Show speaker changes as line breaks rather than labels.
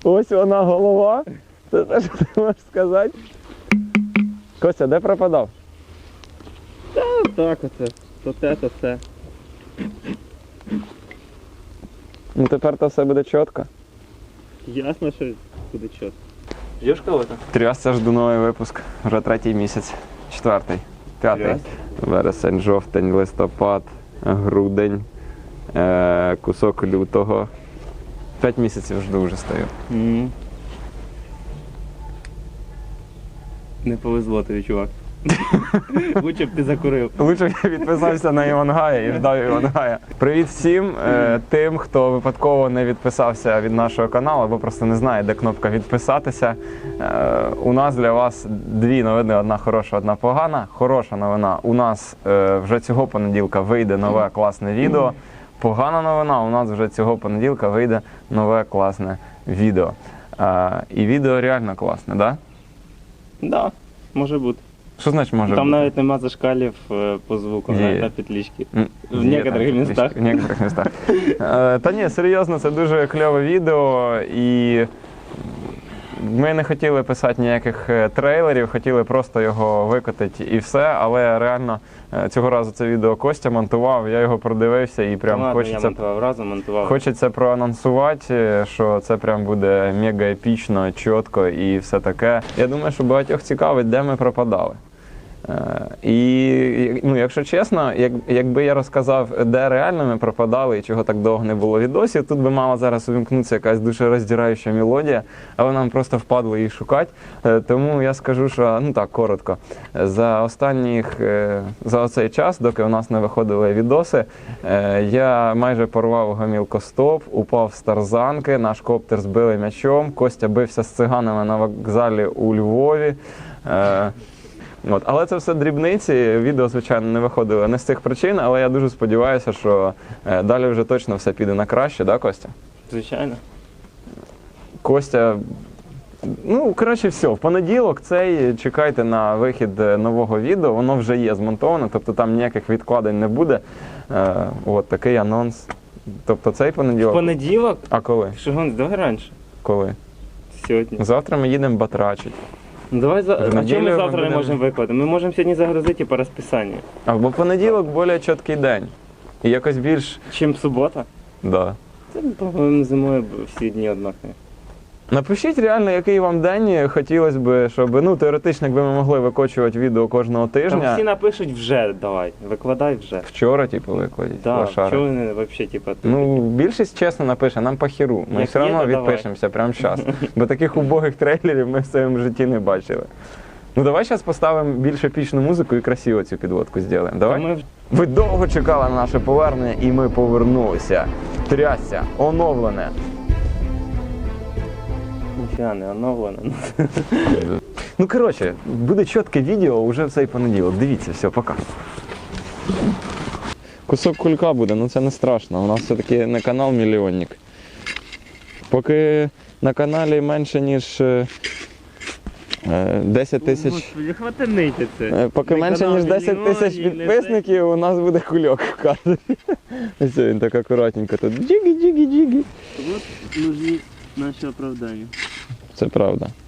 Ось вона голова. Це те, що ти можеш сказати. Костя, де пропадав?
Так оце. То те, то це.
Ну тепер то все буде чітко.
Ясно, що буде чітко. Ждеш кого-то?
Трясся, жду новий випуск. Вже 3-й місяць. 4-й. 5-й.
Трясся?
Вересень, жовтень, листопад, грудень, кусок лютого. 5 місяців жду вже стою.
Не повезло тобі, чувак. Лучше б ти закурив.
Лучше б я відписався на Івангая і ждав Івангая. Привіт всім тим, хто випадково не відписався від нашого каналу або просто не знає, де кнопка відписатися. У нас для вас дві новини, одна хороша, одна погана. Хороша новина, у нас вже цього понеділка вийде нове класне відео. Погана новина, у нас вже цього понеділка вийде нове класне відео. І відео реально класне, так?
Да, може бути.
Що значить може
Там
бути?
навіть нема зашкалів по звуку,
Є.
навіть на петлички. В
Є
некоторих
там
містах.
В некоторих містах. Та ні, серйозно, це дуже кльове відео, і ми не хотіли писати ніяких трейлерів, хотіли просто його викотити і все, але реально цього разу це відео Костя монтував, я його продивився і прям
Ладно, я
хочеться...
монтував разом, монтував.
Хочеться проанонсувати, що це прям буде мега епічно, чітко і все таке. Я думаю, що багатьох цікавить, де ми пропадали. І, ну, якщо чесно, якби я розказав, де реально ми пропадали і чого так довго не було відосів, тут би мала зараз увімкнутися якась дуже роздираюча мелодія, але нам просто впадло її шукати. Тому я скажу, що, ну так, коротко, за оцей час, доки у нас не виходили відоси, я майже порвав гомілкостоп, упав з тарзанки, наш коптер збили м'ячом, Костя бився з циганами на вокзалі у Львові. От. Але це все дрібниці, відео, звичайно, не виходило не з цих причин, але я дуже сподіваюся, що далі вже точно все піде на краще, да, Костя?
Звичайно.
Костя, ну, коротше, все, в понеділок цей чекайте на вихід нового відео, воно вже є змонтоване, тобто там ніяких відкладень не буде. От такий анонс. Тобто цей
В
понеділок.
понеділок?
А коли?
Що гониш, давай раніше.
Коли?
Сьогодні.
Завтра ми їдемо батрачить.
Ну давай
В
а чому
неділю
ми
ми
завтра не
будемо-
можемо викладати? Ми можемо сьогодні загрузити по розписанню.
Або понеділок більш чіткий день. І якось більш,
Чим субота?
да.
Це, по-моєму, зимою всі дні однакові.
Напишіть реально, який вам день хотілося б, щоб, ну, теоретично, якби ми могли викочувати відео кожного
Там
тижня.
всі напишуть вже, давай, викладай вже.
Вчора, типу, викладіть.
Да,
лошари.
чого вони взагалі, типу,
Ну, більшість чесно напише, нам по хіру. Ми
Як
все
є,
одно
то давай.
відпишемося прямо зараз. Бо таких убогих трейлерів ми в своєму житті не бачили. Ну, давай зараз поставимо більш епічну музику і красиво цю підводку зробимо. Давай?
Ми
Ви довго чекали на наше повернення, і ми повернулися. Трясся, оновлене.
ніфіга не оновлено.
Ну, коротше, буде чітке відео вже в цей понеділок. Дивіться, все, пока. Кусок кулька буде, ну це не страшно. У нас все-таки не канал мільйонник. Поки на каналі менше, ніж 10 тисяч.
Господи, хватанити це.
Поки
Не
менше,
канал
ніж 10 тисяч
мільйонів, не
підписників, у нас буде кульок в кадрі. Ось він так акуратненько тут. Джигі-джигі-джигі.
От нужні наші оправдання.
Це правда.